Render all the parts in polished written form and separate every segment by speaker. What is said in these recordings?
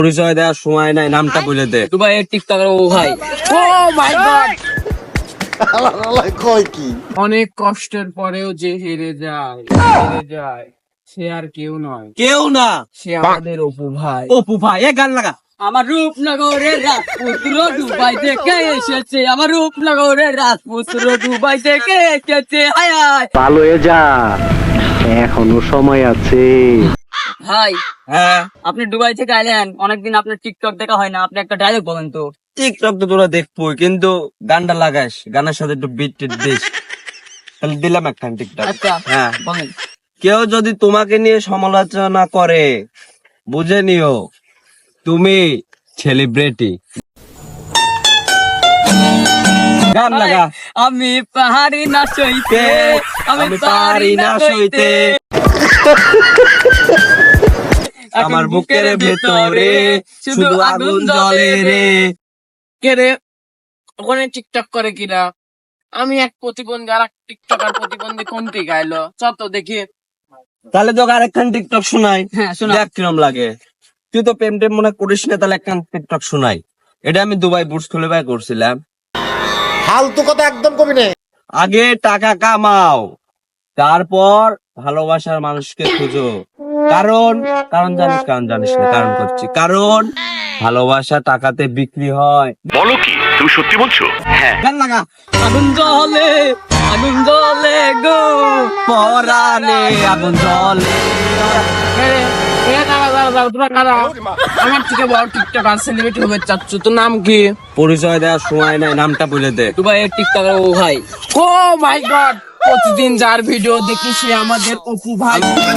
Speaker 1: পরিচয় দেওয়ার সময় নাই, নামটা বলে দে।
Speaker 2: দুবাইয়ের টিকটকার ও ভাই। ও মাই গড,
Speaker 3: কয় কি
Speaker 2: অনেক কষ্টের পরেও যে হেরে যায় সে আর কেউ নয়,
Speaker 1: কেউ না,
Speaker 2: সে আমাদের অপু ভাই।
Speaker 1: অপু ভাই। এ গান লাগা।
Speaker 2: আমার রূপনগরের রাজপুত্র দুবাই থেকে এসেছে, আমার রূপনগরের রাজপুত্র দুবাই থেকে এসেছে। হায় হায়
Speaker 4: ভালো হয়ে যা, এখনো সময় আছে।
Speaker 2: ভাই,
Speaker 1: হ্যাঁ,
Speaker 2: আপনি দুবাই থেকে আইলেন, অনেকদিন আপনার টিকটক দেখা হয় না, আপনি একটা ডায়লগ বলেন তো।
Speaker 1: টিকটক তো তোরা দেখবই, কিন্তু গানটা লাগাস, গানের সাথে একটু বিট টিট দিস। তাহলে দিলাম একখান টিকটক।
Speaker 2: আচ্ছা
Speaker 1: হ্যাঁ,
Speaker 2: বলেন।
Speaker 1: কেউ যদি তোমাকে নিয়ে সমালোচনা করে, বুঝে নিও তুমি সেলিব্রিটি। গান লাগা।
Speaker 2: আমি পাহাড়ি না সইতে, আমি পাহাড়ি না সইতে,
Speaker 1: আমার বুকের ভেতরে শুধু আগুন জ্বলে রে।
Speaker 2: কে রে ওখানে টিকটক করে কিনা? আমি এক প্রতিবন্ধী আর এক টিকটকার প্রতিবন্ধী কোনটি গাইলো চল তো দেখি।
Speaker 1: তাহলে তোকে আরেকখান টিকটক শোনাই,
Speaker 2: হ্যাঁ শোনা।
Speaker 1: দেখ কিরম লাগে। তুই তো প্রেম টেম মনে করিস না, তাহলে একখান টিকটক শোনাই। এটা আমি দুবাই বুর্জ খলিফায় করছিলাম।
Speaker 3: ফালতু কথা একদম কবি না।
Speaker 1: আগে টাকা কামাও, তারপর ভালোবাসার মানুষকে খুঁজো। কারণ কারণ জানিস, কারণ জানিস না, কারণ করছি। কারণ ভালোবাসা টাকাতে বিক্রি হয়।
Speaker 4: বলো কি, তুমি সত্যি বলছো? হ্যাঁ।
Speaker 1: গান লাগা।
Speaker 2: আগুন জ্বলে গো
Speaker 1: পরানে আগুন জ্বলে।
Speaker 2: আমার থেকে বড় টিকটকার সেলিব্রিটি হবে চাচ্ছু, তোর নাম কি?
Speaker 1: পরিচয় দেওয়ার সময় নাই, নামটা বলে দে।
Speaker 2: দুবাইয়ের টিকটকার ও ভাই। ও মাই গড, প্রতিদিন যার ভিডিও দেখি সে আমাদের অপু ভাই।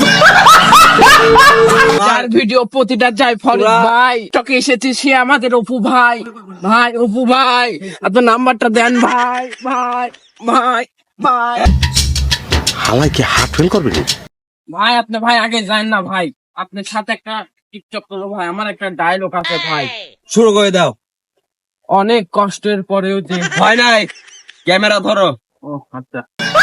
Speaker 2: যার ভিডিও প্রতিটা যায় ফরিদ ভাই, টকে এসেছে সে আমাদের অপু ভাই। ভাই অপু ভাই, আপনার নাম্বারটা দেন ভাই। ভাই ভাই ভাই
Speaker 3: হালাই কি হার্ট ফেল করবে না?
Speaker 2: ভাই, আপনি ভাই আগে যান না ভাই, আপনার সাথে একটা টিকটক করবো ভাই, আমার একটা ডায়লগ আছে ভাই।
Speaker 1: শুরু করে দাও।
Speaker 2: অনেক কষ্টের পরেও যে,
Speaker 1: ভয় নাই, ক্যামেরা ধরো।
Speaker 2: ও আচ্ছা,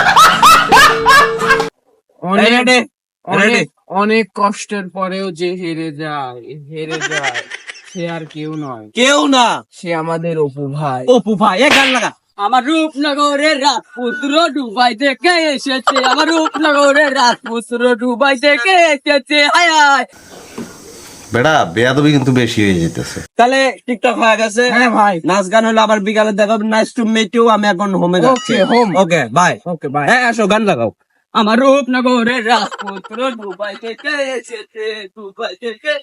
Speaker 2: অনেক
Speaker 1: রেডি, রেডি।
Speaker 2: অনেক কষ্টের পরেও যে হেরে যায় সে আর কেউ নয়,
Speaker 1: কেউ না,
Speaker 2: সে আমাদের অপু ভাই।
Speaker 1: অপু ভাই। এ গান লাগা।
Speaker 2: আমার রূপনগরের রাজপুত্র দুবাই থেকে এসেছে, আমার রূপনগরের রাজপুত্র দুবাই থেকে এসেছে। হায় হায়
Speaker 3: বেড়া বেয়াদবি কিন্তু বেশি হয়ে যেতেছে।
Speaker 1: তাহলে টিকটক হয়ে গেছে।
Speaker 2: হ্যাঁ ভাই,
Speaker 1: নাচ গান হলো আবার বিকালে দেখাবো। Nice to meet you. আমি এখন হোমে যাচ্ছি।
Speaker 2: Okay, home.
Speaker 1: Okay bye.
Speaker 2: Okay bye.
Speaker 1: হ্যাঁ, আসো গান লাগাও।
Speaker 2: আমার রূপনগরের রাজপুত্র দুবাই থেকে এসেছে, দুবাই থেকে